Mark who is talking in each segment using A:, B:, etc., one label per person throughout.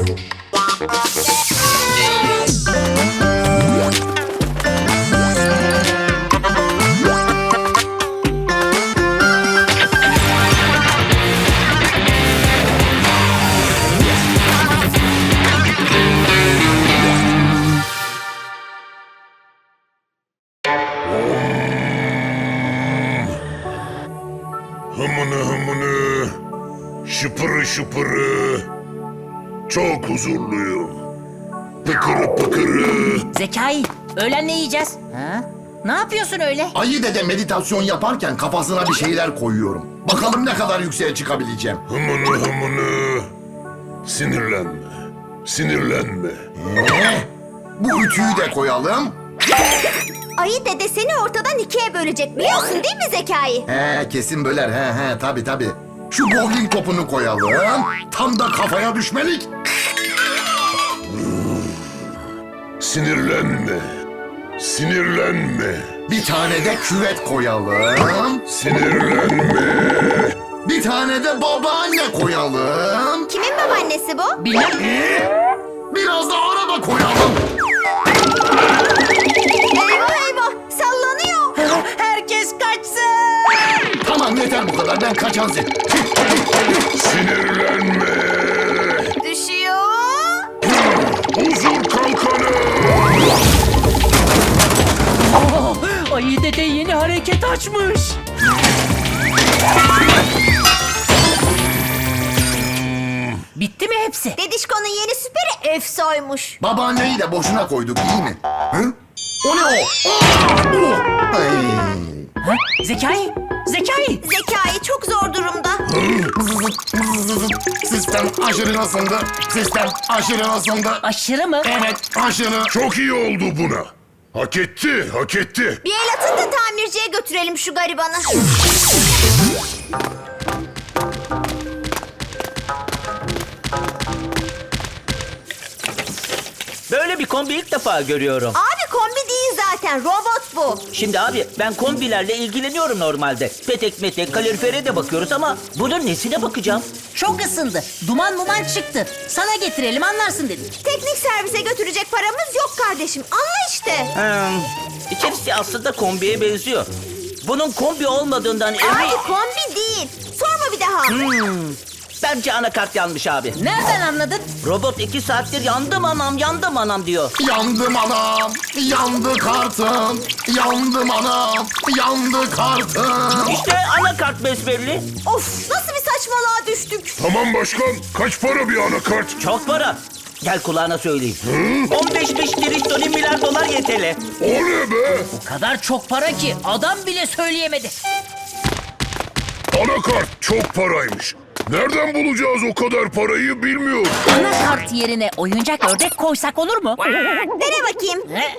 A: Hımını hımını, şıpırı şıpırı, çok huzurluyum. Pıkırı pıkırı.
B: Zekai, öğlen ne yiyeceğiz? Ha? Ne yapıyorsun öyle?
C: Ayı dede meditasyon yaparken kafasına bir şeyler koyuyorum. Bakalım ne kadar yükseğe çıkabileceğim.
A: Hımını hımını, sinirlenme, sinirlenme.
C: Bu ütüyü de koyalım.
D: Ayı dede seni ortadan ikiye bölecek biliyorsun değil mi Zekai?
C: Kesin böler. Tabii. Şu bowling topunu koyalım. Tam da kafaya düşmelik.
A: Sinirlenme, sinirlenme,
C: Bir tane de küvet koyalım.
A: sinirlenme.
C: Bir tane de babaanne koyalım.
D: Kimin babaannesi bu?
B: Bilmem.
C: Biraz da araba koyalım.
D: Eyvah eyvah sallanıyor.
B: Herkes kaçsın.
C: Tamam yeter bu kadar. Ben kaçan
A: Sinirlenme.
D: Düşüyor.
A: Huzur kalkanı.
B: Ayı dede yeni hareket açmış. Bitti mi hepsi?
D: Dedişko'nun yeni süperi Efso'ymuş.
C: Babaanneyi de boşuna koyduk iyi mi? Hı? O ne o? Ay.
B: Ha? Zekai, Zekai.
D: Zekai çok zor durumda.
C: Sistem aşırı ısındı. Sistem aşırı ısındı.
B: Aşırı mı?
C: Evet aşırı.
A: Çok iyi oldu buna. Hak etti, hak etti.
D: Bir el atın da tamirciye götürelim şu garibanı.
E: Böyle bir kombi ilk defa görüyorum.
D: Abi kombi değil zaten robot bu.
E: Şimdi abi ben kombilerle ilgileniyorum normalde. Petek metek kalorifere de bakıyoruz ama bunun nesine bakacağım?
B: Çok ısındı. Duman muman çıktı. Sana getirelim anlarsın dedik.
D: Teknik servise götürecek paramız yok kardeşim. Anla işte.
E: İçerisi aslında kombiye benziyor. Bunun kombi olmadığından emin...
D: Abi kombi değil. Sorma bir daha.
E: Bence anakart yanmış abi.
B: Nereden anladın?
E: Robot 2 saattir yandım anam diyor.
C: Yandım anam. Yandı kartım. Yandım anam. Yandı kartım.
E: İşte anakart besbelli.
D: Of nasıl bir saçmalığa düştük.
A: Tamam başkan, kaç para bir anakart?
E: Çok para. Gel kulağına söyleyeyim. 15 trilyon milyar dolar yeteli.
A: O ne be?
B: O kadar çok para ki adam bile söyleyemedi.
A: Anakart çok paraymış. Nereden bulacağız o kadar parayı bilmiyorum.
B: Anakart yerine oyuncak ördek koysak olur mu?
D: Dene bakayım.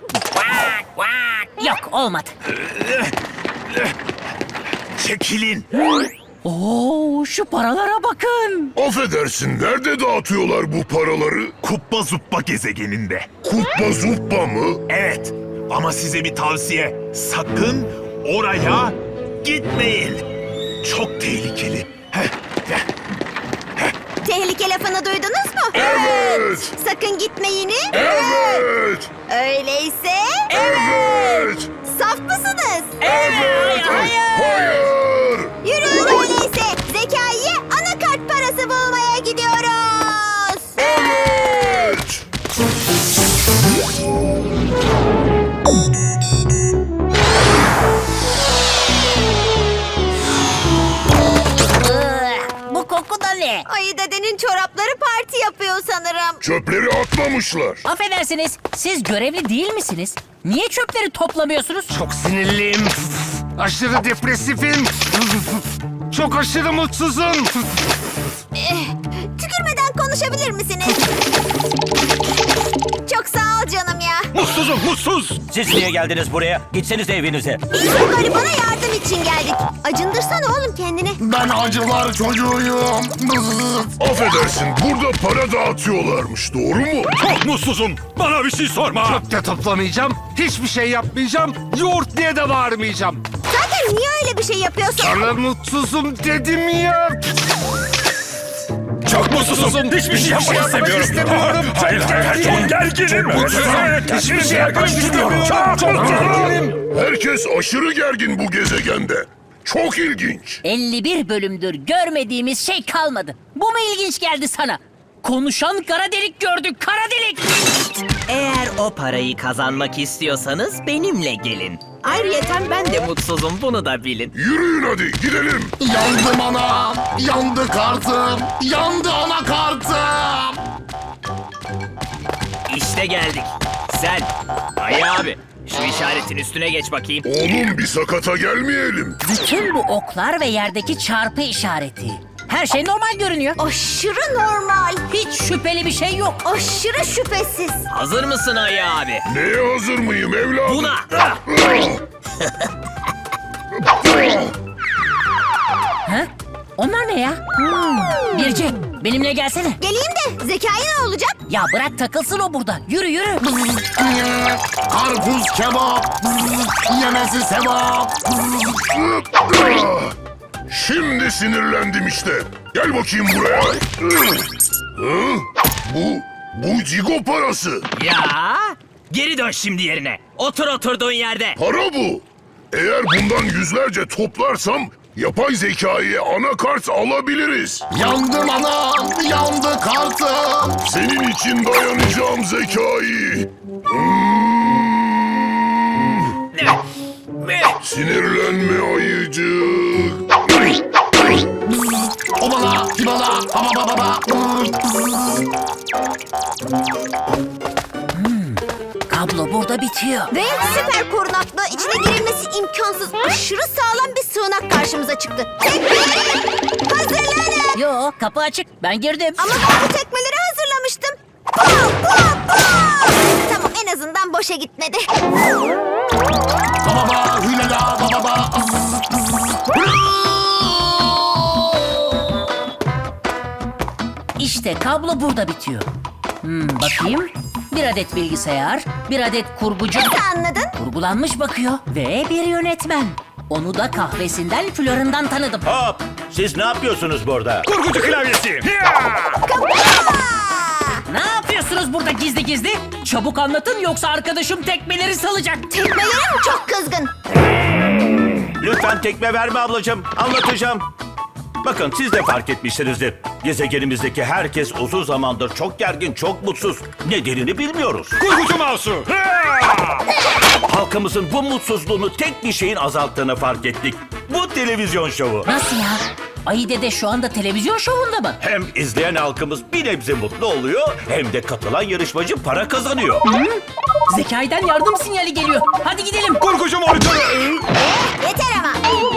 B: Yok olmadı.
A: Çekilin.
B: Oo şu paralara bakın.
A: Affedersin, nerede dağıtıyorlar bu paraları?
F: Kuppa Zuppa gezegeninde.
A: Kuppa zuppa mı?
F: Evet ama size bir tavsiye. Sakın oraya gitmeyin. Çok tehlikeli.
D: Tehlike lafını duydunuz mu?
A: Evet.
D: Sakın gitmeyini.
A: Evet.
D: Öyleyse
A: Evet.
D: saf mısınız?
A: Evet. Hayır.
D: Yürüyün öyleyse. Zekai'ye anakart parası bulmaya gidiyoruz.
A: Evet.
B: Bu koku da ne?
D: Ayı dedenin çorapları parti yapıyor sanırım.
A: Çöpleri atmamışlar.
B: Affedersiniz siz görevli değil misiniz? Niye çöpleri toplamıyorsunuz?
G: Çok sinirliyim. Aşırı depresifim. Çok aşırı mutsuzum.
D: Tükürmeden konuşabilir misiniz? Çok sağ ol canım ya.
F: Mutsuzum mutsuz.
E: Siz niye geldiniz buraya? Gitseniz evinize.
D: Biz bu garibana yardım için geldik. Acındırsana oğlum kendini.
C: Ben acılar çocuğuyum.
A: Affedersin, burada para dağıtıyorlarmış, doğru mu?
F: Çok mutsuzum. Bana bir şey sorma.
G: Çöp de toplamayacağım. Hiçbir şey yapmayacağım. Yoğurt diye de bağırmayacağım.
D: Zaten niye öyle bir şey yapıyorsun?
G: Sana mutsuzum dedim ya.
F: Çok mutsuzum. Hiçbir şey yapmak istemiyorum. Hayır, çok gerginim. Hiçbir şey yapmak istemiyorum. Çok gerginim.
A: Herkes aşırı gergin bu gezegende. Çok ilginç.
B: 51 bölümdür görmediğimiz şey kalmadı. Bu mu ilginç geldi sana? Konuşan kara delik gördük, kara delik.
H: Eğer o parayı kazanmak istiyorsanız benimle gelin. Ayrıyeten ben de mutsuzum, bunu da bilin.
A: Yürüyün hadi gidelim.
C: Yandım anam, yandı kartım, yandı anakartım.
H: İşte geldik. Sen, Ayı abi, şu işaretin üstüne geç bakayım.
A: Oğlum bir sakata gelmeyelim.
B: Bütün bu oklar ve yerdeki çarpı işareti. Her şey normal görünüyor.
D: Aşırı normal.
B: Hiç şüpheli bir şey yok.
D: Aşırı şüphesiz.
H: Hazır mısın Ayı abi?
A: Neye hazır mıyım evladım?
H: Buna!
B: Ha? Onlar ne ya? Birce, benimle gelsene.
D: Geleyim de Zekai ne olacak?
B: Ya bırak takılsın o burada. Yürü yürü.
C: Karpuz kebap, yemesi sevap.
A: Şimdi sinirlendim işte. Gel bakayım buraya. Hı? Bu cigo parası.
H: Ya! Geri dön şimdi yerine. Otur oturduğun yerde.
A: Para bu. Eğer bundan yüzlerce toplarsam yapay zekayı anakart alabiliriz.
C: Yandım anam, yandı kartım.
A: Senin için dayanacağım zekayı. Sinirlenme ayıcık.
C: Obala, hibala, baba baba.
B: Kablo burada bitiyor.
D: Ve süper korunaklı, içine girilmesi imkansız, aşırı sağlam bir sığınak karşımıza çıktı. Tekmeler! Hazırlanın!
B: Yo, kapı açık. Ben girdim.
D: Ama ben bu tekmeleri hazırlamıştım. Pum, pum, pum! Tamam, en azından boşa gitmedi.
C: Baba, hülala, baba.
B: İşte kablo burada bitiyor. Bakayım. Bir adet bilgisayar, bir adet kurgucu.
D: Nasıl anladın?
B: Kurgulanmış bakıyor. Ve bir yönetmen. Onu da kahvesinden, florundan tanıdım.
I: Hop! Siz ne yapıyorsunuz burada?
F: Kurgucu klavyesi.
B: Ne yapıyorsunuz burada gizli gizli? Çabuk anlatın yoksa arkadaşım tekmeleri salacak.
D: Tekmelerim çok kızgın.
I: Lütfen tekme verme ablacığım. Anlatacağım. Bakın siz de fark etmişsinizdir. Gezegenimizdeki herkes uzun zamandır çok gergin, çok mutsuz. Nedenini bilmiyoruz.
F: Kurgucu mouse'u.
I: Halkımızın bu mutsuzluğunu tek bir şeyin azalttığını fark ettik. Bu televizyon şovu.
B: Nasıl ya? Ayı dede şu anda televizyon şovunda mı?
I: Hem izleyen halkımız bir nebze mutlu oluyor, hem de katılan yarışmacı para kazanıyor.
B: Zekai'den yardım sinyali geliyor. Hadi gidelim.
F: Kurgucu monitörü.
D: Yeter ama.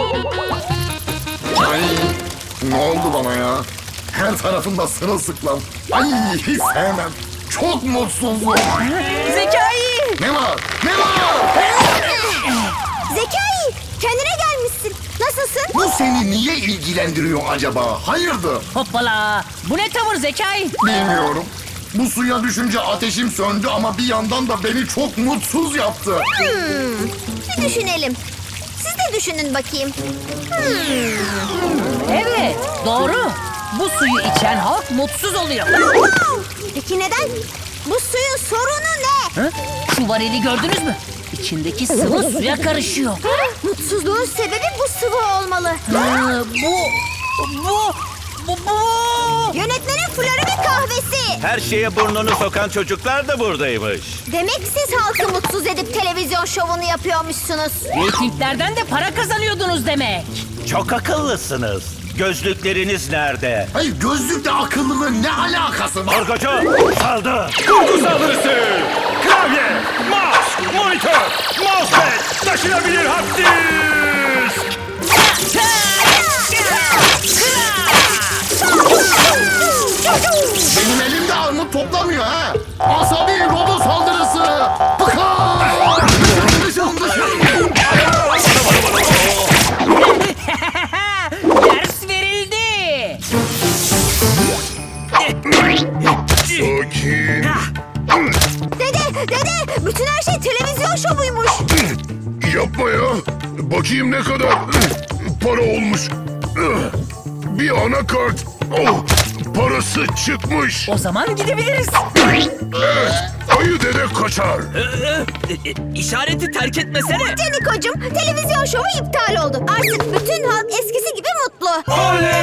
C: Ay, ne oldu bana ya? Her tarafımda sırılsıklam. Ay, hiç sevmem. Çok mutsuzum.
B: Zekai!
C: Ne var? Ne var?
D: Zekai, kendine gelmişsin. Nasılsın?
C: Bu seni niye ilgilendiriyor acaba? Hayırdır?
B: Hoppala! Bu ne tavır Zekai?
C: Bilmiyorum. Bu suya düşünce ateşim söndü ama bir yandan da beni çok mutsuz yaptı.
D: Bir düşünelim. Siz de düşünün bakayım.
B: Evet, doğru. Bu suyu içen halk mutsuz oluyor.
D: Peki neden? Bu suyun sorunu ne?
B: Hı? Şu varili gördünüz mü? İçindeki sıvı suya karışıyor.
D: Mutsuzluğun sebebi bu sıvı olmalı.
B: Bu.
D: Yönetmenin florü ve kahvesi.
I: Her şeye burnunu sokan çocuklar da buradaymış.
D: Demek siz halkı mutsuz edip televizyon şovunu yapıyormuşsunuz.
B: Reytinglerden de para kazanıyordunuz demek.
I: Çok akıllısınız. Gözlükleriniz nerede?
C: Hayır, gözlükle akıllının ne alakası var?
I: Korkucu saldı.
F: Kurgu saldırısı. Klavye, mouse, monitör, mousepad, taşınabilir hard disk.
C: Benim elimde armut toplamıyor ha. Asabi robot saldırısı. Bıkar! Dışım dışım.
B: Ders verildi.
A: Sakin.
D: Dede, bütün her şey televizyon şovuymuş.
A: Yapma ya. Bakayım ne kadar para olmuş. Bir anakart. Oh, parası çıkmış.
B: O zaman gidebiliriz.
A: Evet, ayı dede kaçar.
H: İşareti terk etmesene.
D: Canikocuğum, televizyon şovu iptal oldu. Artık bütün halk eskisi gibi mutlu.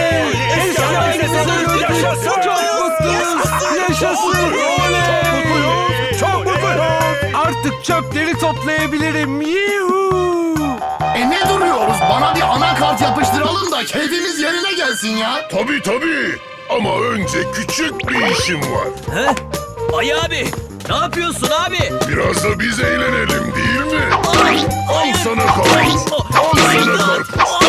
G: Yaşasın.
F: Çok mutluyum.
G: Artık çöpleri toplayabilirim. Yuhuu.
C: Ne duruyoruz? Bana bir anakart yapıştıralım da keyfimiz yerine gelsin ya.
A: Tabii. Ama önce küçük bir işim var.
H: Ay abi, ne yapıyorsun abi?
A: Biraz da biz eğlenelim değil mi? Al sana kart. Al sana kart.